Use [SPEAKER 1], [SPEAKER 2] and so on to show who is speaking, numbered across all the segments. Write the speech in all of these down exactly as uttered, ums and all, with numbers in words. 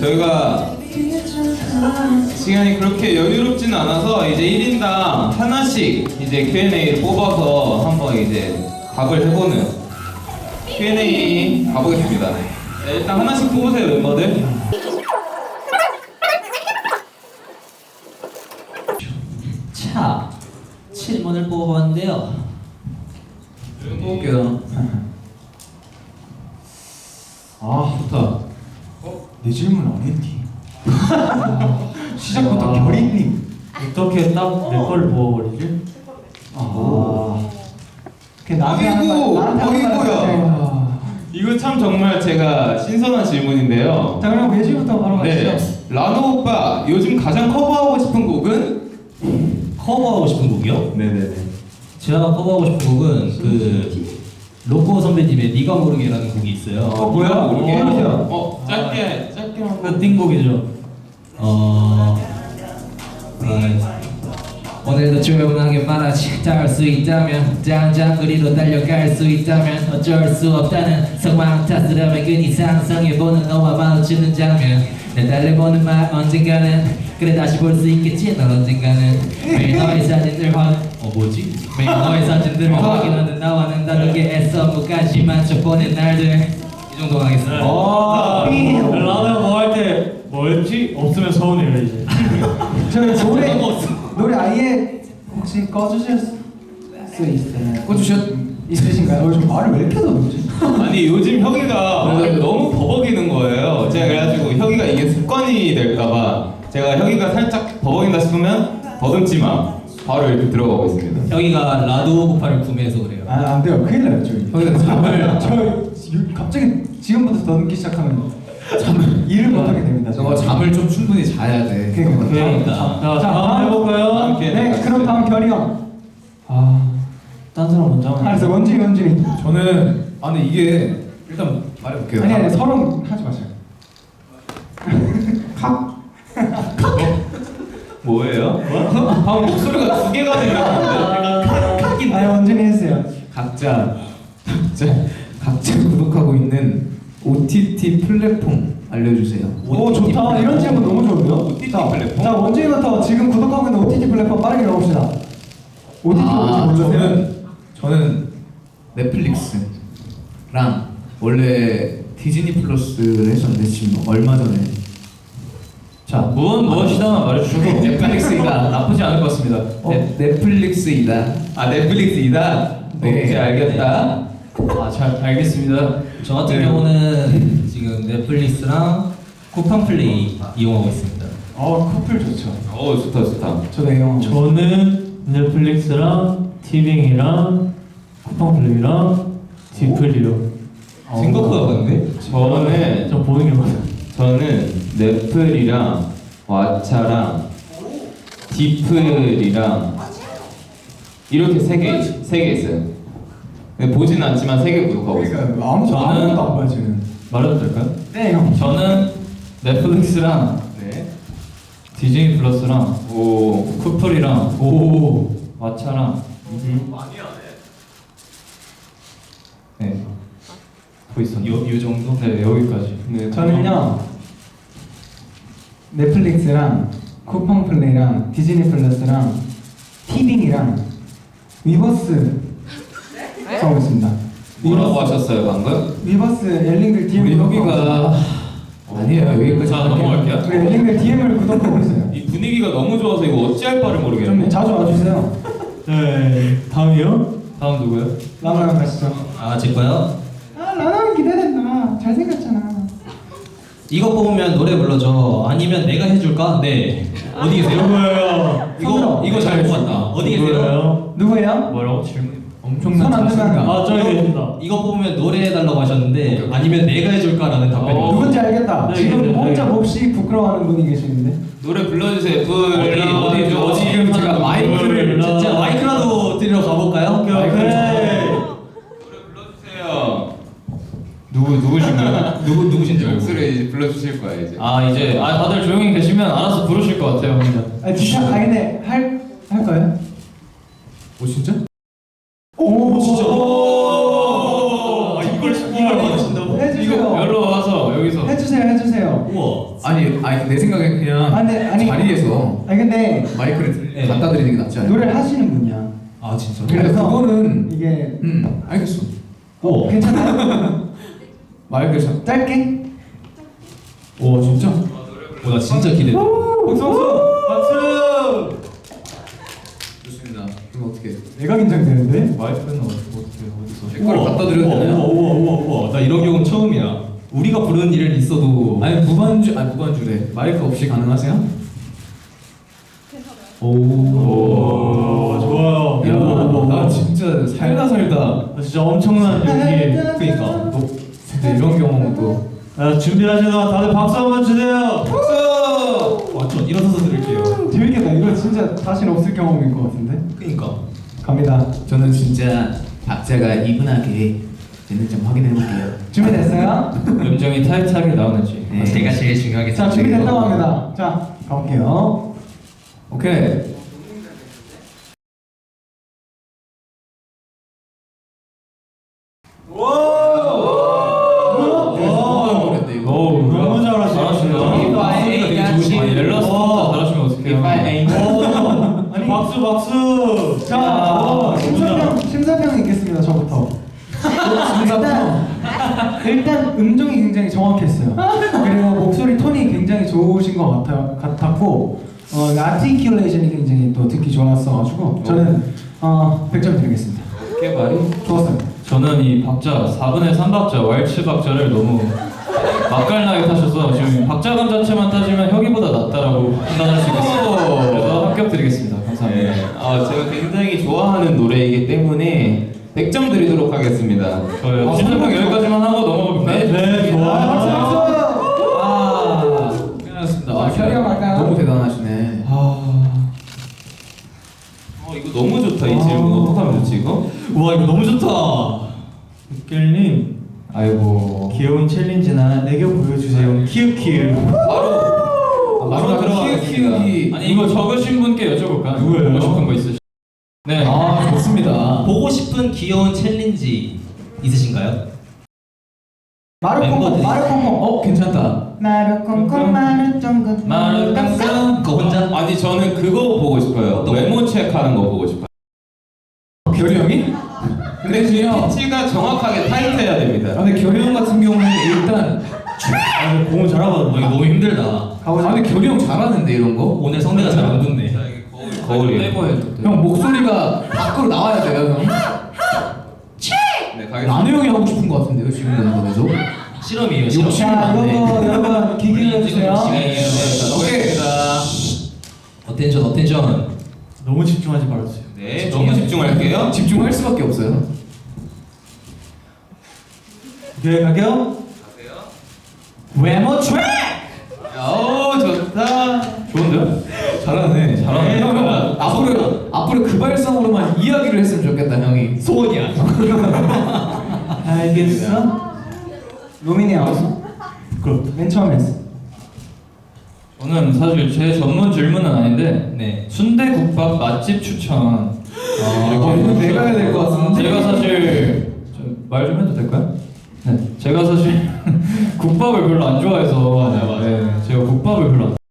[SPEAKER 1] 저희가 시간이 그렇게 여유롭지는 않아서 이제 일 인당 하나씩 이제 큐 앤 에이를 뽑아서 한번 이제 답을 해보는 큐 앤 에이 가보겠습니다. 네, 일단 하나씩 뽑으세요, 멤버들.
[SPEAKER 2] 자, 질문을 뽑아봤는데요.
[SPEAKER 1] 뽑을게요.
[SPEAKER 3] 아
[SPEAKER 1] 좋다.
[SPEAKER 3] 어? 내 질문 안 했니? 시작부터 결인님
[SPEAKER 4] 어떻게 딱 내 거를 먹어버리지?
[SPEAKER 3] 아 그게 나한테 하는
[SPEAKER 1] 아이고,
[SPEAKER 3] 말, 나한테 하는 말
[SPEAKER 1] 아이고야. 이거 참 정말 제가 신선한 질문인데요.
[SPEAKER 3] 자 그럼 예지부터 바로
[SPEAKER 1] 네,
[SPEAKER 3] 가시죠.
[SPEAKER 1] 라노 오빠 요즘 가장 커버하고 싶은 곡은?
[SPEAKER 2] 커버하고 싶은 곡이요?
[SPEAKER 1] 네네네.
[SPEAKER 2] 제가 커버하고 싶은 곡은 그 로꼬 선배님의 네가 모르게라는 곡이 있어요.
[SPEAKER 1] 어 뭐야? 모르게?
[SPEAKER 3] 해보세요.
[SPEAKER 1] 어 짧게 짧게
[SPEAKER 2] 그
[SPEAKER 1] 한번.
[SPEAKER 2] 띵곡이죠. 어... 아, 오늘도 조용하게 말하지 닿을 수 있다면 장장거리로 달려갈 수 있다면 어쩔 수 없다는 상황 탓스러움에 괜히 상상해보는 너와 마주치는 장면 내 달래보는 말 언젠가는 그래 다시 볼 수 있겠지 넌 언젠가는 매일 너의 사진들 확... 어 뭐지? 매일 너의 사진들을 확인하는 나와는 다르게 애써 무까지만 저 보낸 날들 이 정도 하겠습니다.
[SPEAKER 1] 어.
[SPEAKER 4] 라면 뭐할 때 뭐였지? 없으면 서운해요 이제.
[SPEAKER 3] 저희 노래 노래 아예 혹시 꺼주실 수 있어요?
[SPEAKER 1] 꺼주셨?
[SPEAKER 3] 있으신가요? 어, 저 말을 왜 이렇게 더듬지?
[SPEAKER 1] 아니 요즘 혁이가 말을 너무 버벅이는 거예요. 제가 그래가지고 혁이가 이게 습관이 될까봐 제가 혁이가 살짝 버벅인다 싶으면 더듬지 마. 바로 이렇게 들어가고 있습니다.
[SPEAKER 2] 여기가 라도 오구팔을 구매해서 그래요.
[SPEAKER 3] 아, 안 돼요. 큰일 나요, 저희.
[SPEAKER 1] 혁이가 잠을
[SPEAKER 3] 저 갑자기 지금부터 더듬기 시작하면 잠을 일을 못 하게 됩니다.
[SPEAKER 1] 저거 잠을 좀 충분히 자야 돼.
[SPEAKER 3] 그러니까.
[SPEAKER 2] 그러니까.
[SPEAKER 4] 자, 다음 해볼까요?
[SPEAKER 1] 다음 기회에
[SPEAKER 3] 네, 그럼 다음 결이 형.
[SPEAKER 4] 아, 딴 사람 먼저 하면.
[SPEAKER 3] 알았어, 원준이, 원준이.
[SPEAKER 1] 저는 아니 이게 일단 말해볼게요.
[SPEAKER 3] 아니, 아니, 서로 하지 마세요.
[SPEAKER 1] 뭐예요? 방금 목소리가 두 개가 들렸는데.
[SPEAKER 3] 아니, 원준이 했어요.
[SPEAKER 5] 각자 각자 각자 구독하고 있는 오 티 티 플랫폼 알려주세요.
[SPEAKER 3] 오, 좋다. 이런 질문 너무 좋은데요?
[SPEAKER 1] 오 티 티
[SPEAKER 3] 자,
[SPEAKER 1] 플랫폼?
[SPEAKER 3] 자, 원준이부터 지금 구독하고 있는 오 티 티 플랫폼 빠르게 넣읍시다. 오 티 티가
[SPEAKER 5] 아,
[SPEAKER 3] 뭔지 모르세요?
[SPEAKER 5] 저는 저는 넷플릭스랑 원래 디즈니 플러스를 했었는데 지금 얼마 전에
[SPEAKER 4] 자, 무엇 무엇이다 말해주셔도
[SPEAKER 5] 넷플릭스이다 나쁘지 않을 것 같습니다.
[SPEAKER 3] 어?
[SPEAKER 5] 넷, 넷플릭스이다.
[SPEAKER 1] 아 넷플릭스이다.
[SPEAKER 5] 네.
[SPEAKER 1] 오케이 알겠다.
[SPEAKER 4] 아, 잘 알겠습니다.
[SPEAKER 2] 저 같은
[SPEAKER 1] 네.
[SPEAKER 2] 경우는 지금 넷플릭스랑 쿠팡 플레이 이용하고 있습니다.
[SPEAKER 3] 어, 커플 좋죠.
[SPEAKER 1] 어 좋다 좋다.
[SPEAKER 3] 저도 이용.
[SPEAKER 4] 저는 넷플릭스랑 티빙이랑 쿠팡플레이랑 디플이요.
[SPEAKER 1] 생각보다 많네. 저는
[SPEAKER 4] 저 보는 게 많아요.
[SPEAKER 1] 저는 넷플이랑 왓챠랑 디플이랑 이렇게 세개세 개 있어요. 근데 보진 않지만 세 개 구독하고 있어요.
[SPEAKER 3] 그러니까 아무
[SPEAKER 4] 저는-
[SPEAKER 3] 아무것도 안 봐요 지금.
[SPEAKER 4] 말해도 될까요?
[SPEAKER 3] 네, 형.
[SPEAKER 4] 저는 넷플릭스랑
[SPEAKER 1] 네.
[SPEAKER 4] 디즈니 플러스랑
[SPEAKER 1] 오.
[SPEAKER 4] 쿠플이랑
[SPEAKER 1] 오.
[SPEAKER 4] 왓챠랑 네. 보고 있었는데
[SPEAKER 2] 요, 요 정도?
[SPEAKER 4] 네, 여기까지.
[SPEAKER 1] 네.
[SPEAKER 3] 저는요 넷플릭스랑 쿠팡 플레이랑 디즈니 플러스랑 티빙이랑 위버스 하고 있습니다.
[SPEAKER 1] 뭐라고 하셨어요 방금?
[SPEAKER 3] 위버스 엘링글 디엠
[SPEAKER 5] 우리 혁이가 아니에요 여기까지.
[SPEAKER 1] 자 넘어갈게요.
[SPEAKER 3] 우리 엘링글 디엠을 구독하고 있어요.
[SPEAKER 1] 이 분위기가 너무 좋아서 이거 어찌할 바를
[SPEAKER 3] 좀
[SPEAKER 1] 모르겠네.
[SPEAKER 3] 자주 와주세요.
[SPEAKER 4] 네, 다음이요? 다음 누구요?
[SPEAKER 3] 라마랑 가시죠.
[SPEAKER 2] 아, 제 거요?
[SPEAKER 3] 아 라마는 기대된다. 잘생겼잖아.
[SPEAKER 2] 이거 뽑으면 노래 불러줘. 아니면 내가 해줄까? 네. 어디 계세요?
[SPEAKER 4] 누구예요?
[SPEAKER 2] 이거 이거 잘 뽑았다. 어디 계세요?
[SPEAKER 4] 누구예요?
[SPEAKER 3] 누구예요?
[SPEAKER 4] 뭐라고 질문?
[SPEAKER 5] 엄청난
[SPEAKER 3] 손안
[SPEAKER 5] 자신감.
[SPEAKER 3] 들면
[SPEAKER 4] 아, 저기 계신다.
[SPEAKER 2] 이거 뽑으면 노래 해달라고 하셨는데 아니면 내가 해줄까라는 답변이
[SPEAKER 4] 어.
[SPEAKER 2] 왔어요.
[SPEAKER 3] 누군지 알겠다.
[SPEAKER 4] 네,
[SPEAKER 3] 지금
[SPEAKER 4] 네, 네.
[SPEAKER 3] 혼자 몹시 부끄러워하는 분이 계시는데.
[SPEAKER 1] 노래 불러주세요. 불
[SPEAKER 2] 어디 어디 어디
[SPEAKER 1] 지금 제가
[SPEAKER 4] 마이크를
[SPEAKER 2] 진짜 마이크라도 드리러 가볼까요?
[SPEAKER 4] 오케이, 오케이.
[SPEAKER 1] 노래 불러주세요. 누구 누구신가요?
[SPEAKER 2] 누구 누구신지 알고.
[SPEAKER 1] 목소리 이제 불러주실 거야 이제.
[SPEAKER 4] 아, 이제 아 다들 조용히 계시면 알아서 부르실 것 같아요, 혼자.
[SPEAKER 3] 아 진짜 아 근데 할 할까요?
[SPEAKER 5] 오 진짜?
[SPEAKER 3] 오
[SPEAKER 2] 진짜.
[SPEAKER 1] 오,
[SPEAKER 4] 이걸 이걸 받으신다고?
[SPEAKER 3] 해주세요.
[SPEAKER 1] 이거 여기로 와서 여기서.
[SPEAKER 3] 해주세요. 해주세요, 해주세요.
[SPEAKER 4] 우와.
[SPEAKER 5] 아니 아니 내 생각엔 그냥
[SPEAKER 3] 아니, 아니.
[SPEAKER 5] 자리에서
[SPEAKER 3] 아니 근데
[SPEAKER 5] 마이크를
[SPEAKER 4] 네.
[SPEAKER 5] 갖다 드리는 게 낫지 않아요?
[SPEAKER 3] 노래를 하시는 분이야.
[SPEAKER 4] 아 진짜?
[SPEAKER 5] 근데
[SPEAKER 3] 그래서
[SPEAKER 5] 그거는
[SPEAKER 3] 이게
[SPEAKER 5] 음 알겠어.
[SPEAKER 3] 어, 괜찮아요?
[SPEAKER 5] 마이크를 잡.
[SPEAKER 3] 짧게?
[SPEAKER 5] 오 진짜?
[SPEAKER 4] 나 진짜 기대.
[SPEAKER 3] 박수 박수!
[SPEAKER 4] 박수.
[SPEAKER 5] 좋습니다. 그럼 어떻게?
[SPEAKER 3] 내가 긴장되는데?
[SPEAKER 4] 마이크는 어떻게 어디서?
[SPEAKER 5] 내 거를 갖다 드려도 되나요?
[SPEAKER 4] 우와 우와 우와 우와. 나 이런 경우는 처음이야. 우리가 부르는 일은 있어도.
[SPEAKER 5] 아니 무반주 아니 무반주래. 마이크 없이 가능하세요? 오.
[SPEAKER 4] 오 좋아요.
[SPEAKER 5] 야,
[SPEAKER 4] 오,
[SPEAKER 5] 나 진짜 살다 살다.
[SPEAKER 4] 나 진짜 엄청난 용기. 그러니까.
[SPEAKER 5] 너 근데 이런 경험은 또.
[SPEAKER 4] 아, 준비하시는 동안 다들 박수 한번 주세요. 박수. 완전 일어서서 드릴게요.
[SPEAKER 3] 재밌겠다. 이거 진짜 다시는 없을 경험일 것 같은데?
[SPEAKER 4] 그러니까.
[SPEAKER 3] 갑니다.
[SPEAKER 5] 저는 진짜 박자가 이분하게 되는지 좀 확인해 볼게요.
[SPEAKER 3] 준비됐어요?
[SPEAKER 2] 음정이 타이트하게 나오는지
[SPEAKER 5] 네.
[SPEAKER 2] 제가 제일 중요하게
[SPEAKER 3] 자, 준비됐다고 합니다. 자, 가볼게요.
[SPEAKER 5] 오케이. 노래인데 이거.
[SPEAKER 2] 오,
[SPEAKER 4] 너무 잘하시네.
[SPEAKER 2] 잘하시네요.
[SPEAKER 4] If I
[SPEAKER 2] 되게
[SPEAKER 4] ain't
[SPEAKER 2] 좋으시네.
[SPEAKER 4] got you.
[SPEAKER 2] 앨러스부터 잘하시면 어떡해요.
[SPEAKER 4] 아니 박수 박수.
[SPEAKER 3] 자,
[SPEAKER 4] 야,
[SPEAKER 3] 어, 심사평, 심사평 있겠습니다. 저부터. 일단, 일단 음정이 굉장히 정확했어요. 그리고 목소리 톤이 굉장히 좋으신 것 같아, 같았고, 어, 아티큘레이션이 굉장히 또 듣기 좋았어가지고 저는 어, 백 점 드리겠습니다.
[SPEAKER 2] 꽤 말이
[SPEAKER 3] 좋았어요.
[SPEAKER 2] 저는 이 박자 사분의 삼 박자 왈츠 박자를 너무 맛깔나게 타셔서 지금 박자감 자체만 따지면 혁이보다 낫다라고 판단할 수 있겠어요. 그래서 합격 드리겠습니다. 감사합니다.
[SPEAKER 1] 네. 아, 제가 굉장히 좋아하는 노래이기 때문에 백 점 드리도록 하겠습니다.
[SPEAKER 2] 저요.
[SPEAKER 3] 아,
[SPEAKER 2] 심사평 여기까지만 하고 넘어가볼까요?
[SPEAKER 4] 네 좋아요.
[SPEAKER 3] 박수 박수!
[SPEAKER 5] 아, 끝났습니다. 아,
[SPEAKER 3] 자, 결의어 갈까요?
[SPEAKER 5] 너무 대단하시네.
[SPEAKER 1] 어, 이거 너무 좋다. 이 질문 어떡하면 좋지 이거?
[SPEAKER 4] 와 이거 너무 좋다. 육결님
[SPEAKER 2] 아이고.
[SPEAKER 4] 귀여운 챌린지나 애교 보여주세요. 키읔키읔.
[SPEAKER 1] 바로 바로 들어가겠습니다.
[SPEAKER 5] 키우기.
[SPEAKER 2] 아니 이거 적으신 분께 여쭤볼까요?
[SPEAKER 4] 누구예요?
[SPEAKER 2] 보고 싶은 거 있으시? 네.
[SPEAKER 5] 아 좋습니다.
[SPEAKER 6] 보고 싶은 귀여운 챌린지 있으신가요?
[SPEAKER 3] 마루콩콩
[SPEAKER 6] 멤버들이.
[SPEAKER 3] 마루콩콩
[SPEAKER 5] 어 괜찮다.
[SPEAKER 3] 마루콩콩 마루쫑긋
[SPEAKER 2] 마루 깡깡.
[SPEAKER 6] 그거 혼자?
[SPEAKER 1] 아니 저는 그거 보고 싶어요.
[SPEAKER 6] 어떤 거?
[SPEAKER 1] 외모 체크하는 거 보고 싶어요.
[SPEAKER 5] 결이 형이? 근데 그냥.
[SPEAKER 1] 피치가 정확하게 타이트해야 됩니다.
[SPEAKER 5] 아, 근데 결이 형 같은 경우는 일단.
[SPEAKER 4] 아 공을 잘하거든요.
[SPEAKER 6] 이거 너무 힘들다.
[SPEAKER 5] 아 근데 결이 형 잘하는데 이런 거?
[SPEAKER 6] 오늘 성대가 잘 안 붙네.
[SPEAKER 1] 거울이.
[SPEAKER 2] 빼고 해도 돼.
[SPEAKER 5] 형 목소리가 밖으로 나와야 돼요 형.
[SPEAKER 1] 네, 가겠습니다.
[SPEAKER 5] 나누 형이 하고 싶은 거 같은데요 지금 연습에서?
[SPEAKER 6] 실험이에요. 실험.
[SPEAKER 3] 자, 이거 여러분 기기를 해주세요.
[SPEAKER 5] 오케이.
[SPEAKER 6] 어텐션 어텐션.
[SPEAKER 4] 너무 집중하지 말아주세요.
[SPEAKER 1] 네, 너무 집중할게요.
[SPEAKER 5] 집중할 수밖에 없어요.
[SPEAKER 4] 오케이 갈게요.
[SPEAKER 3] 외모 트랙!
[SPEAKER 1] 오, 좋다.
[SPEAKER 2] 좋은데요?
[SPEAKER 5] 잘하네.
[SPEAKER 2] 잘하네.
[SPEAKER 5] 형, 형, 앞으로 앞으로 그 발성으로만 이야기를 했으면 좋겠다 형이.
[SPEAKER 6] 소원이야.
[SPEAKER 3] 알겠어? 로민이 나왔어?
[SPEAKER 4] 부끄럽다.
[SPEAKER 3] 맨 처음 했어.
[SPEAKER 2] 저는 사실 제 전문 질문은 아닌데
[SPEAKER 6] 네.
[SPEAKER 2] 순대국밥 맛집 추천.
[SPEAKER 5] 아, 이거 내가 해야 될 것 같은데.
[SPEAKER 2] 제가 사실 말 좀 해도 될까요? 네. 제가 사실 국밥을 별로 안 좋아해서
[SPEAKER 6] 맞아요, 맞아요.
[SPEAKER 2] 네, 제가 국밥을 별로 안.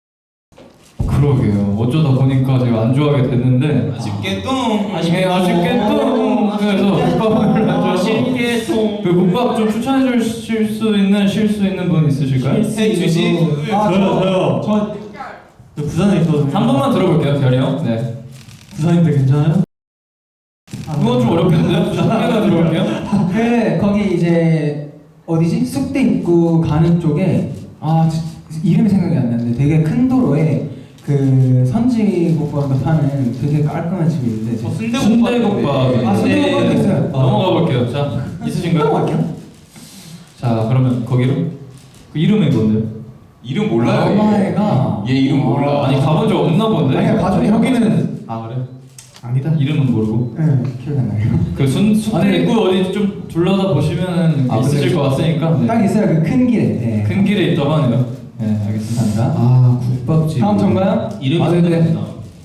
[SPEAKER 2] 그러게요. 어쩌다 보니까 제가 안 좋아하게 됐는데
[SPEAKER 1] 아쉽게 똥.
[SPEAKER 2] 아쉽게 아쉽게 또 그래서 국밥을 별로 안 좋아해서
[SPEAKER 6] 아쉽게 또.
[SPEAKER 2] 그 국밥 좀 추천해 주실 수 있는 쉴 수 있는 분 있으실까요?
[SPEAKER 1] 해 주시.
[SPEAKER 3] 아,
[SPEAKER 4] 저요 저요.
[SPEAKER 3] 저
[SPEAKER 4] 저 부산에 있거든요.
[SPEAKER 2] 한 번만 들어볼게요, 별이 형. 네.
[SPEAKER 4] 부산인데 괜찮아요?
[SPEAKER 2] 그건 좀 어렵겠는데? 한개만 들어볼게요.
[SPEAKER 3] 그 거기 이제 어디지? 숙대 입구 가는 쪽에 아 지- 이름이 생각이 안 나는데 되게 큰 도로에 그 선지국밥을 파는 되게 깔끔한 집이 있는데
[SPEAKER 1] 어,
[SPEAKER 3] 제가
[SPEAKER 1] 순대국밥.
[SPEAKER 2] 순대국밥.
[SPEAKER 3] 아, 순대국밥도 있어요.
[SPEAKER 2] 넘어가 볼게요. 자,
[SPEAKER 3] 또
[SPEAKER 2] 있으신가요?
[SPEAKER 3] 갈게요.
[SPEAKER 2] 자, 그러면 거기로? 그 이름이 뭔데?
[SPEAKER 1] 이름 몰라요.
[SPEAKER 3] 엄마애가
[SPEAKER 1] 얘 이름 몰라.
[SPEAKER 2] 아니 가본 적 없나 본데?
[SPEAKER 3] 아니야, 가족이
[SPEAKER 2] 여기는 아 그래?
[SPEAKER 3] 아니다.
[SPEAKER 2] 이름은 모르고.
[SPEAKER 3] 네 기억이 안 나요.
[SPEAKER 2] 그 순, 순대국구 어디 좀 둘러다 보시면은
[SPEAKER 5] 아,
[SPEAKER 2] 있으실
[SPEAKER 5] 그래?
[SPEAKER 2] 것 같으니까. 네.
[SPEAKER 3] 딱 있어요 그 큰 길에. 네.
[SPEAKER 2] 큰 길에 있다고 하네요. 네, 알겠습니다.
[SPEAKER 3] 감사합니다.
[SPEAKER 5] 아 국밥집.
[SPEAKER 3] 다음 전가요?
[SPEAKER 6] 이름이
[SPEAKER 5] 아, 네, 네.
[SPEAKER 6] 생각이 나.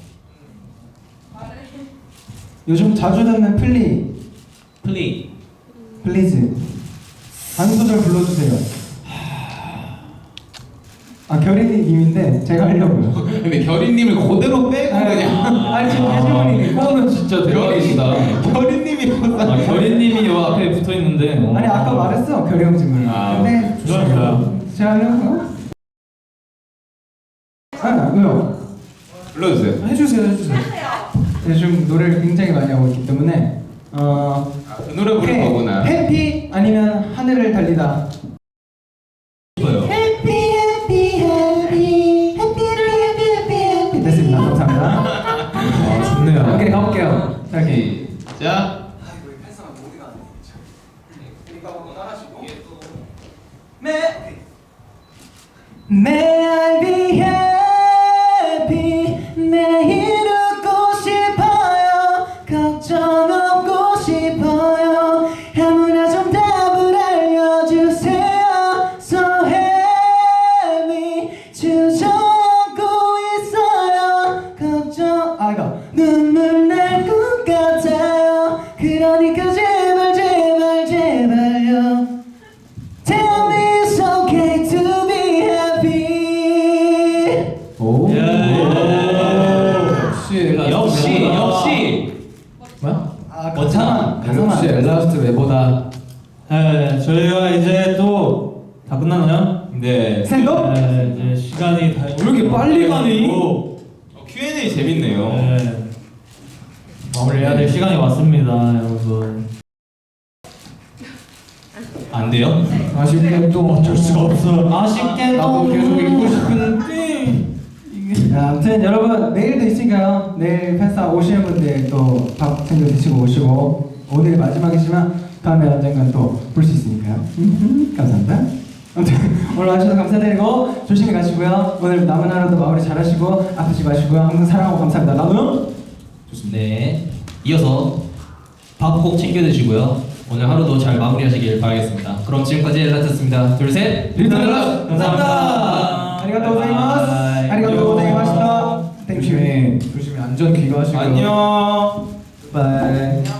[SPEAKER 3] 요즘 자주 듣는 플리
[SPEAKER 6] 플리.
[SPEAKER 3] 플리즈 한 소절 불러주세요. 아 결이님인데 제가 하려고요.
[SPEAKER 1] 근데 결이님을 그대로 빼고 그냥.
[SPEAKER 3] 아니 지금 해주머니
[SPEAKER 1] 그거는 진짜 대박이시다. 결이님이
[SPEAKER 4] 아, 결인님이 요 앞에 붙어 있는데.
[SPEAKER 3] 아니 아까 말했어 결이 형 질문.
[SPEAKER 1] 아,
[SPEAKER 3] 근데
[SPEAKER 4] 죄송합니다.
[SPEAKER 3] 제가 하려고요. 아 왜요?
[SPEAKER 1] 불러주세요.
[SPEAKER 3] 해주세요 해주세요. 요즘 노래를 굉장히 많이 하고 있기 때문에 어
[SPEAKER 1] 그 노래 부를
[SPEAKER 3] 해-
[SPEAKER 1] 거구나.
[SPEAKER 3] 해피 아니면 하늘을 달리다.
[SPEAKER 6] 싶어요.
[SPEAKER 3] 해피 해피 해피 해피를 해피 해피 해피 됐습니다. 감사합니다.
[SPEAKER 5] 아 좋네요.
[SPEAKER 3] 오케이 가볼게요. 자, 이렇게
[SPEAKER 1] 자.
[SPEAKER 3] May I be happy 매일 웃고 싶어요 걱정 없고 싶어요 아무나 좀 답을 알려주세요 So heavy 주저앉고 있어요 걱정 아 이거 눈물 날 것 같아요 그러니까 제발 제발 제발요 Tell me it's okay to be happy.
[SPEAKER 5] 오.
[SPEAKER 4] 예.
[SPEAKER 5] 역시
[SPEAKER 6] 역시 역시.
[SPEAKER 5] 뭐야?
[SPEAKER 3] 아,
[SPEAKER 6] 멋지다.
[SPEAKER 3] 가사만.
[SPEAKER 5] 역시 엘라스트 웨보다
[SPEAKER 4] 네, 저희가 이제 또 다 끝났나요?
[SPEAKER 1] 네.
[SPEAKER 3] 샌더?
[SPEAKER 4] 네, 이제 시간이 다.
[SPEAKER 5] 왜 이렇게 빨리 가니?
[SPEAKER 4] 오.
[SPEAKER 1] 어, 큐 앤 에이 재밌네요.
[SPEAKER 4] 네. 마무리해야 될 시간이 왔습니다, 여러분.
[SPEAKER 6] 안 돼요?
[SPEAKER 5] 아쉽게 또
[SPEAKER 4] 어쩔 수가 없어. 아쉽게
[SPEAKER 5] 나도 계속 읽고 싶은데.
[SPEAKER 3] 자, 아무튼 여러분 내일도 있으니까요. 내일 팬싸 오시는 분들 또 밥 챙겨 드시고 오시고 오늘 마지막이지만 다음에 언젠간 또 볼 수 있으니까요. 음흠, 감사합니다. 아무튼 오늘 와주셔서 감사드리고 조심히 가시고요. 오늘 남은 하루도 마무리 잘하시고 아프지 마시고요. 항상 사랑하고 감사합니다. 나누.
[SPEAKER 6] 네. 이어서 밥 꼭 챙겨 드시고요. 오늘 하루도 잘 마무리하시길 바라겠습니다. 그럼 지금까지 엘라트였습니다. 둘, 셋.
[SPEAKER 1] 리틀 엘라!
[SPEAKER 6] 감사합니다.
[SPEAKER 3] 아리가또 고자이마스.
[SPEAKER 4] 바이.
[SPEAKER 3] 아리가또 고자이마시다. 땡큐.
[SPEAKER 5] 조심히 조심히 안전 귀가하시고.
[SPEAKER 1] 안녕.
[SPEAKER 3] 바이.